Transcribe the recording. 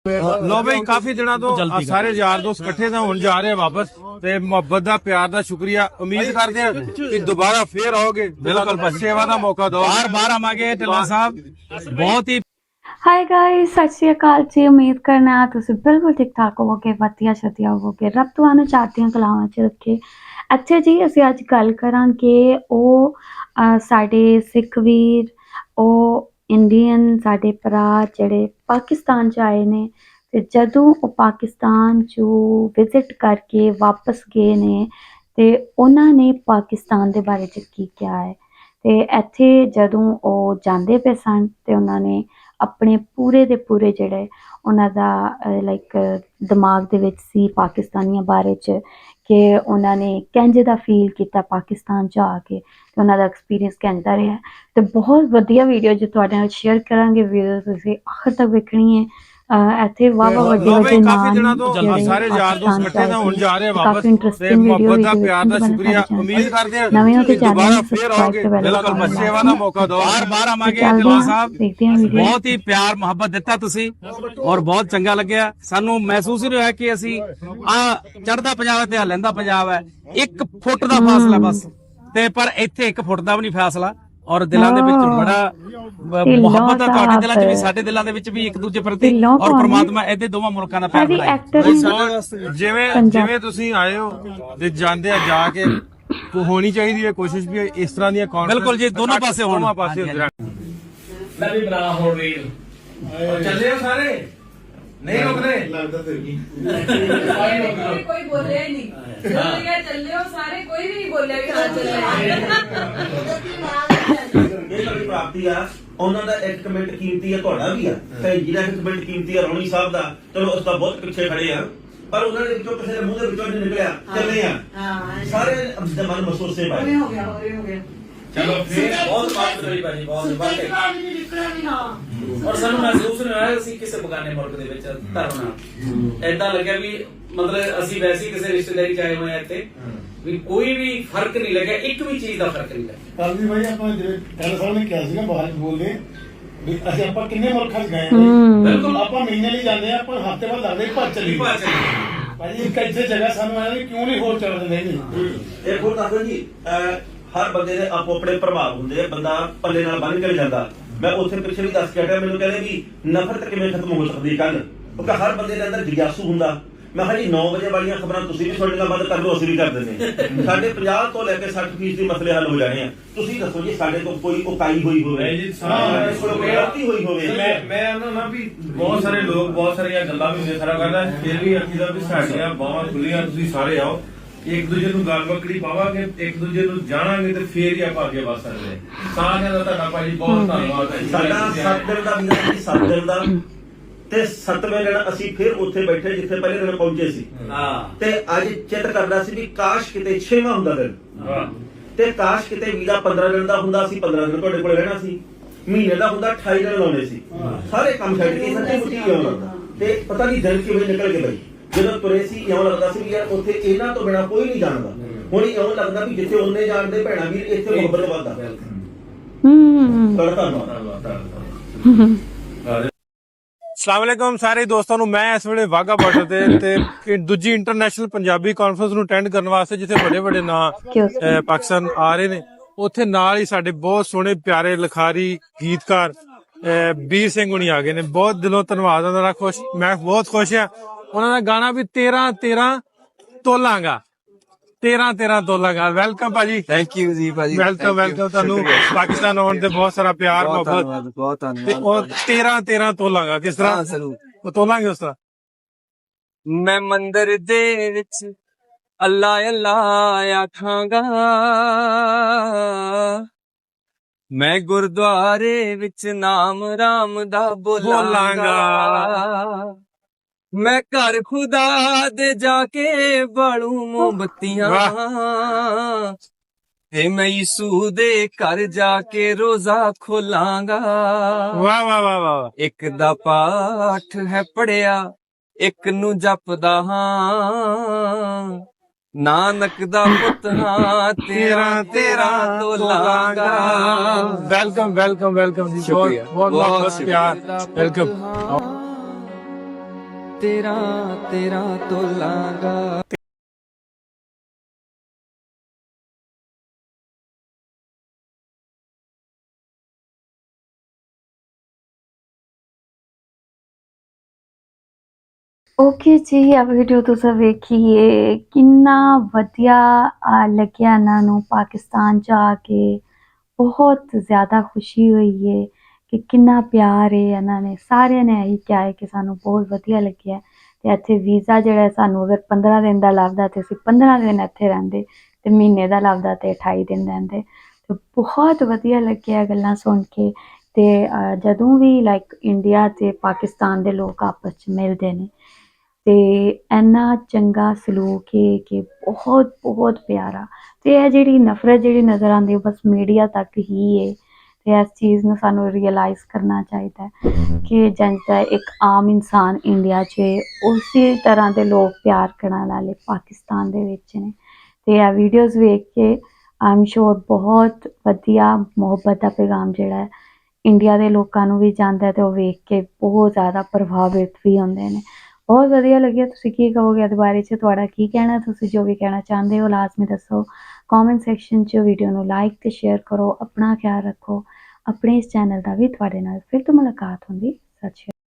लो भाई काफी दिनों तो सारे यार दोस्त इकट्ठे थे हुण जा रहे हैं वापस ते मोहब्बत दा प्यार दा शुक्रिया उम्मीद करते हैं कि दोबारा फिर आओगे बिल्कुल सेवा दा मौका दो बार आवांगे ढिल्लों साहब बहुत ही हाय गाइस सत श्री अकाल जी उम्मीद करना तुसीं बिल्कुल ठीक ठाक होवोगे वधिया शतिया होवोगे रब तुहानूं चढ़दियां कलावां च रखे। अच्छा जी असीं अज गल करांगे साडे सिख वीर इंडियन साडे भरा जिहड़े पाकिस्तान च आए ने ते जदों ओह पाकिस्तान चों विजिट करके वापस गए ने ते उन्हां ने पाकिस्तान दे बारे च की किहा है ते इत्थे जदों ओह जांदे पे सन ते उन्हां ने अपने पूरे दे पूरे जिहड़े उन्हां दा लाइक दिमाग दे विच सी पाकिस्तानियां बारे च कि उन्हां ने किंज दा फील कीता पाकिस्तान च आके ते उन्हां दा एक्सपीरियंस किंज दा रेहा ते बहुत वधिया वीडियो जो तुहाडे नाल शेयर करांगे वीडियो तुसीं आखिर तक वेखणी है। ਇੱਥੇ ਵਾਵਾ ਵੱਡੇ ਵੱਡੇ काफी दिनों तो ਜਿਹੜੇ सारे यार दोस्त ਪਾਕਿਸਤਾਨ इकट्ठे थे हुण जा रहे हैं वापस ਕਾਫੀ ਇੰਟਰਸਟਿੰਗ ਵੀਡੀਓ मोहब्बत दा प्यार दा शुक्रिया उम्मीद करते हैं ਨਵੇਂ ਹੋ ਤੇ कि दोबारा ਚੈਨਲ फिर आओगे बिल्कुल सेवा दा मौका दो बार आवांगे ढिल्लों साहब बहुत ही प्यार मुहब्बत दिता तुसी और बहुत चंगा लग्या सानू महसूस ही नहीं होया कि असी आ चढ़दा पंजाब ते लैंदा पंजाब है 1 फुट दा फासला बस ते पर इत्थे 1 फुट दा भी नहीं फैसला और दिलों दे विच बड़ा मुहब्बत है तुहाडे दिलां च भी साडे दिलां दे विच भी एक दूजे प्रति और परमात्मा इहदे दोवां मुल्कां दा प्यार बनाए जिवें जिवें तुसीं आए हो ते जांदे आ जाके होनी चाहिए कोशिश भी इस तरह दी बिल्कुल जी दोनों पासे होण मैं भी बना हो रील चले हो सारे नहीं रोक रहे कोई बोले ही नहीं चले हो सारे कोई भी बोले प्राप्ति आ ਉਹਨਾਂ ਦਾ ਇੱਕ ਕਮੈਂਟ ਕੀਮਤੀ ਆ ਤੁਹਾਡਾ ਵੀ ਆ ਤੇ ਜਿਹੜਾ ਇੱਕ ਕਮੈਂਟ ਕੀਮਤੀ ਆ ਰੌਣੀ ਸਾਹਿਬ ਦਾ ਚਲੋ ਉਸ ਦਾ ਬਹੁਤ ਪਿੱਛੇ ਖੜੇ ਆ ਪਰ ਉਹਨਾਂ ਦੇ ਵਿੱਚੋਂ ਕਿਸੇ ਦੇ ਮੂੰਹ ਦੇ ਵਿੱਚੋਂ ਨਿਕਲਿਆ ਚੱਲੇ ਆ ਸਾਰੇ ਦੇ ਮਨ ਮਹਿਸੂਸੇ ਪਾਏ हो गया चलो फिर बहुत बात करी भाजी बहुत बात और सानू महसूस नहीं होया ਅਸੀਂ ਕਿਸੇ ਬਗਾਨੇ ਮੁਲਕ ਦੇ ਵਿੱਚ ਧਰਨਾ ਐਦਾਂ ਲੱਗਿਆ ਵੀ ਮਤਲਬ ਅਸੀਂ ਵੈਸੇ ਕਿਸੇ ਰਿਸ਼ਤੇਦਾਰੀ ਚ ਆਏ ਹੋਏ ਆ ਇੱਥੇ ਵੀ ਕੋਈ ਵੀ ਫਰਕ ਨਹੀਂ ਲੱਗਿਆ ਇੱਕ ਵੀ ਚੀਜ਼ ਦਾ ਫਰਕ ਨਹੀਂ ਲੱਗਿਆ ਕੱਲ ਵੀ ਭਾਈ ਆਪਾਂ ਜਿਹੜੇ ਕੱਲ ਸਾਹਿਬ ਨੇ ਕਿਹਾ ਸੀਗਾ ਬਾਹਰ ਬੋਲਦੇ ਵੀ ਅਸੀਂ ਆਪਾਂ ਕਿੰਨੇ ਮੁਲਕਾਂ 'ਚ ਗਏ ਬਿਲਕੁਲ ਆਪਾਂ ਮਹੀਨੇ ਲਈ ਜਾਂਦੇ ਆ ਆਪਾਂ ਹਫ਼ਤੇ ਬਾਅਦ ਲੱਗਦੇ ਭੱਜ ਚੱਲੀ ਭਾਜੀ ਇੱਕ ਇੱਥੇ ਜਗ੍ਹਾ ਸਾਨੂੰ ਆਇਆ ਵੀ ਕਿਉਂ ਨਹੀਂ ਹੋਰ ਚੱਲ ਦਿੰਦੇ ਨਹੀਂ ਇਹ ਹੋਰ ਦੱਸੋ ਜੀ ਹਰ ਬੰਦੇ ਦੇ ਆਪੋ ਆਪਣੇ ਪ੍ਰਭਾਵ ਹੁੰਦੇ ਆ ਬੰਦਾ ਪੱਲੇ ਨਾਲ ਬੰਨ ਕੇ ਜਾਂਦਾ ਮੈਂ ਉੱਥੇ ਪਿੱਛੇ ਵੀ ਦੱਸ ਕੇ ਹਟਿਆ ਮੈਨੂੰ ਕਹਿੰਦੇ ਵੀ ਨਫ਼ਰਤ ਕਿਵੇਂ ਖਤਮ ਹੋ ਸਕਦੀ ਕੱਲ ਕਿਉਂਕਿ ਹਰ ਬੰਦੇ ਦੇ ਅੰਦਰ ਜਿਗਿਆਸੂ ਹੁੰਦਾ ਮੈਂ ਕਿਹਾ ਜੀ 9 ਵਜੇ ਵਾਲੀਆਂ ਖਬਰਾਂ ਤੁਸੀਂ ਵੀ ਤੁਹਾਡੇ ਨਾਲ ਬੰਦ ਕਰ ਲਓ ਅਸੀਂ ਵੀ ਕਰ ਦਿੰਦੇ ਸਾਡੇ 50 ਤੋਂ ਲੈ ਕੇ 60% ਦੇ ਮਸਲੇ ਹੱਲ ਹੋ ਜਾਣੇ ਆ ਤੁਸੀਂ ਦੱਸੋ ਜੀ ਸਾਡੇ ਤੋਂ ਕੋਈ ਉਕਾਈ ਹੋਈ ਹੋਵੇ ਜੀ ਗਲਤੀ ਹੋਈ ਹੋਵੇ ਮੈਂ ਨਾ ਵੀ ਬਹੁਤ ਸਾਰੇ ਲੋਕ ਬਹੁਤ ਸਾਰੀਆਂ ਗੱਲਾਂ ਵੀ ਹੁੰਦੀਆਂ ਸਾਰਾ ਕਰਦਾ ਫਿਰ ਵੀ ਅਸੀਂ ਦਾ ਵੀ ਸਾਡੀਆਂ ਬਾਹਾਂ ਖੁੱਲੀਆਂ ਤੁਸੀਂ ਸਾਰੇ ਆਓ ਇੱਕ ਦੂਜੇ ਨੂੰ ਗੱਲ ਬੱਕੜੀ ਪਾਵਾਂਗੇ ਇੱਕ ਦੂਜੇ ਨੂੰ ਜਾਣਾਂਗੇ ਤੇ ਫੇਰ ਹੀ ਆਪਾਂ ਅੱਗੇ ਵਧ ਸਕਦੇ ਸਾਰਿਆਂ ਦਾ ਤੁਹਾਡਾ ਭਾਜੀ ਬਹੁਤ ਧੰਨਵਾਦ ਹੈ ਸਾਡਾ 7 ਦਿਨ ਦਾ ਵੀਜ਼ਾ ਸੀ 7 ਦਿਨ ਦਾ ਤੇ 7ਵੇਂ ਦਿਨ ਅਸੀਂ ਫਿਰ ਉੱਥੇ ਬੈਠੇ ਜਿੱਥੇ ਪਹਿਲੇ ਦਿਨ ਪਹੁੰਚੇ ਸੀ ਤੇ ਅੱਜ ਚਿੱਤ ਕਰਦਾ ਸੀ ਵੀ ਕਾਸ਼ ਕਿਤੇ 6ਵਾਂ ਹੁੰਦਾ ਦਿਨ ਤੇ ਕਾਸ਼ ਕਿਤੇ ਵੀਜ਼ਾ 15 ਦਿਨ ਦਾ ਹੁੰਦਾ ਸੀ 15 ਦਿਨ ਤੁਹਾਡੇ ਕੋਲ ਰਹਿਣਾ ਸੀ ਮਹੀਨੇ ਦਾ ਹੁੰਦਾ 28 ਦਿਨ ਲਾਉਣੇ ਸੀ ਸਾਰੇ ਕੰਮ ਛੱਡ ਕੇ ਸੱਚੀ ਮੁੱਚੀ ਆਉਣਾ ਤੇ ਪਤਾ ਨਹੀਂ ਦਿਨ ਕਿਵੇਂ ਨਿਕਲ ਗਏ ਬਾਈ ਜਦੋਂ ਤੁਰੇ ਸੀ ਇਉਂ ਲੱਗਦਾ ਸੀ ਵੀ ਯਾਰ ਉੱਥੇ ਇਹਨਾਂ ਤੋਂ ਬਿਨਾ ਕੋਈ ਨਹੀਂ ਜਾਣਦਾ ਹੁਣ ਇਉਂ ਲੱਗਦਾ ਵੀ ਜਿੱਥੇ ਉਹਨੇ ਜਾਣਦੇ ਭੈਣਾ ਵੀਰ ਇੱਥੇ ਮੁਹੱਬਤ ਵੱਧਦਾ ਅਸਲਾਮੁਅਲੈਕੁਮ ਸਾਰੇ ਦੋਸਤਾਂ ਨੂੰ ਮੈਂ ਇਸ ਵੇਲੇ ਵਾਗਾ ਬਾਰਡਰ ਤੇ ਦੂਜੀ ਇੰਟਰਨੈਸ਼ਨਲ ਪੰਜਾਬੀ ਕਾਨਫਰੰਸ ਨੂੰ ਅਟੈਂਡ ਕਰਨ ਵਾਸਤੇ ਜਿੱਥੇ ਵੱਡੇ ਵੱਡੇ ਨਾਂ ਪਾਕਿਸਤਾਨ ਆ ਰਹੇ ਨੇ ਉੱਥੇ ਨਾਲ ਹੀ ਸਾਡੇ ਬਹੁਤ ਸੋਹਣੇ ਪਿਆਰੇ ਲਿਖਾਰੀ ਗੀਤਕਾਰ ਵੀਰ ਸਿੰਘ ਹੁਣੀ ਆ ਗਏ ਨੇ ਬਹੁਤ ਦਿਲੋਂ ਧੰਨਵਾਦ ਉਹਨਾਂ ਦਾ ਮੈਂ ਬਹੁਤ ਖੁਸ਼ ਹਾਂ ਉਹਨਾਂ ਦਾ ਗਾਣਾ ਵੀ 13 ਤੋਲਾਂਗਾ 13 ਤੋਲਾਂਗਾ ਵੈਲਕਮ ਭਾਜੀ ਥੈਂਕ ਯੂ ਜੀ ਭਾਜੀ ਵੈਲਕਮ ਤੁਹਾਨੂੰ ਪਾਕਿਸਤਾਨ ਆਉਣ ਤੇ ਬਹੁਤ ਸਾਰਾ ਪਿਆਰ ਮੁਹੱਬਤ ਬਹੁਤ ਧੰਨਵਾਦ ਉਹ 13 ਤੋਲਾਂਗਾ ਕਿਸ ਤਰ੍ਹਾਂ ਉਹ ਤੋਲਾਂਗੇ ਉਸ ਤਰ੍ਹਾਂ ਮੈਂ ਮੰਦਰ ਦੇ ਵਿੱਚ ਅੱਲਾ ਅੱਲਾ ਆਖਾਂਗਾ ਮੈਂ ਗੁਰਦੁਆਰੇ ਵਿੱਚ ਨਾਮ ਰਾਮ ਦਾ ਬੋਲਾਂਗਾ ਮੈਂ ਘਰ ਖੁਦਾ ਦੇ ਜਾ ਕੇ ਬਾਲੂ ਮੋਮਬੱਤੀਆਂ ਤੇ ਮੈਂ ਯਿਸੂ ਦੇ ਘਰ ਜਾ ਕੇ ਰੋਜ਼ਾ ਖੋਲਾਂਗਾ ਵਾਹ ਵਾਹ ਵਾਹ ਵਾਹ ਇੱਕ ਦਾ ਪਾਠ ਹੈ ਪੜਿਆ ਇੱਕ ਨੂੰ ਜਪਦਾ ਹਾਂ ਨਾਨਕ ਦਾ ਪੁੱਤ ਹਾਂ 13 ਤੋਲਾਂਗਾ ਵੈਲਕਮ ਜੀ ਬਹੁਤ ਪਿਆਰ ਵੈਲਕਮ ਤੇਰਾ ਤੇਰਾ ਤੋਲਾਂਗਾ। ਓਕੇ ਜੀ, ਆ ਵੀਡੀਓ ਤੁਸੀਂ ਵੇਖੀਏ ਕਿੰਨਾ ਵਧੀਆ ਲੱਗਿਆ ਇਹਨਾਂ ਨੂੰ ਪਾਕਿਸਤਾਨ 'ਚ ਆ ਕੇ। ਬਹੁਤ ਜ਼ਿਆਦਾ ਖੁਸ਼ੀ ਹੋਈ ਹੈ ਕਿ ਕਿੰਨਾ ਪਿਆਰ ਹੈ ਇਹਨਾਂ ਨੇ, ਸਾਰਿਆਂ ਨੇ ਇਹੀ ਕਿਹਾ ਹੈ ਕਿ ਸਾਨੂੰ ਬਹੁਤ ਵਧੀਆ ਲੱਗਿਆ। ਤੇ ਇੱਥੇ ਵੀਜ਼ਾ ਜਿਹੜਾ ਸਾਨੂੰ ਅਗਰ 15 ਦਿਨ ਦਾ ਲੱਭਦਾ ਤੇ ਅਸੀਂ 15 ਦਿਨ ਇੱਥੇ ਰਹਿੰਦੇ, ਤੇ ਮਹੀਨੇ ਦਾ ਲੱਭਦਾ ਤੇ 28 ਦਿਨ ਰਹਿੰਦੇ। ਤੇ ਬਹੁਤ ਵਧੀਆ ਲੱਗਿਆ ਗੱਲਾਂ ਸੁਣ ਕੇ। ਤੇ ਜਦੋਂ ਵੀ ਲਾਈਕ ਇੰਡੀਆ ਤੇ ਪਾਕਿਸਤਾਨ ਦੇ ਲੋਕ ਆਪਸ 'ਚ ਮਿਲਦੇ ਨੇ ਤੇ ਇੰਨਾ ਚੰਗਾ ਸਲੂਕ ਹੈ ਕਿ ਬਹੁਤ ਬਹੁਤ ਪਿਆਰਾ। ਤੇ ਇਹ ਜਿਹੜੀ ਨਫ਼ਰਤ ਜਿਹੜੀ ਨਜ਼ਰ ਆਉਂਦੀ ਹੈ ਬਸ ਮੀਡੀਆ ਤੱਕ ਹੀ ਹੈ। ਤੇ ਇਸ ਚੀਜ਼ ਨੂੰ ਸਾਨੂੰ ਰਿਅਲਾਈਜ਼ ਕਰਨਾ ਚਾਹੀਦਾ ਹੈ ਕਿ ਜਿੱਦਾਂ ਇੱਕ ਆਮ ਇਨਸਾਨ ਇੰਡੀਆ 'ਚ ਉਸੇ ਤਰ੍ਹਾਂ ਦੇ ਲੋਕ ਪਿਆਰ ਕਰਨ ਵਾਲੇ ਪਾਕਿਸਤਾਨ ਦੇ ਵਿੱਚ ਨੇ। ਤੇ ਇਹ ਵੀਡੀਓਜ਼ ਵੇਖ ਕੇ ਆਮ ਸ਼ੋਰ ਬਹੁਤ ਵਧੀਆ ਮੁਹੱਬਤ ਦਾ ਪੈਗਾਮ ਜਿਹੜਾ ਹੈ ਇੰਡੀਆ ਦੇ ਲੋਕਾਂ ਨੂੰ ਵੀ ਜਾਂਦਾ, ਤੇ ਉਹ ਵੇਖ ਕੇ ਬਹੁਤ ਜ਼ਿਆਦਾ ਪ੍ਰਭਾਵਿਤ ਵੀ ਹੁੰਦੇ ਨੇ। ਬਹੁਤ ਵਧੀਆ ਲੱਗਿਆ। ਤੁਸੀਂ ਕੀ ਕਹੋਗੇ ਇਹਦੇ ਬਾਰੇ 'ਚ? ਤੁਹਾਡਾ ਕੀ ਕਹਿਣਾ? ਤੁਸੀਂ ਜੋ ਵੀ ਕਹਿਣਾ ਚਾਹੁੰਦੇ ਹੋ ਲਾਜ਼ਮੀ ਦੱਸੋ ਕਮੈਂਟ ਸੈਕਸ਼ਨ 'ਚ। ਵੀਡੀਓ ਨੂੰ ਲਾਈਕ ਤੇ ਸ਼ੇਅਰ ਕਰੋ। ਆਪਣਾ ਖਿਆਲ ਰੱਖੋ। ਆਪਣੇ ਇਸ ਚੈਨਲ ਦਾ ਵੀ ਤੁਹਾਡੇ ਨਾਲ ਫਿਰ ਤੋਂ ਮੁਲਾਕਾਤ ਹੁੰਦੀ। ਸਤਿ ਸ਼੍ਰੀ ਅਕਾਲ।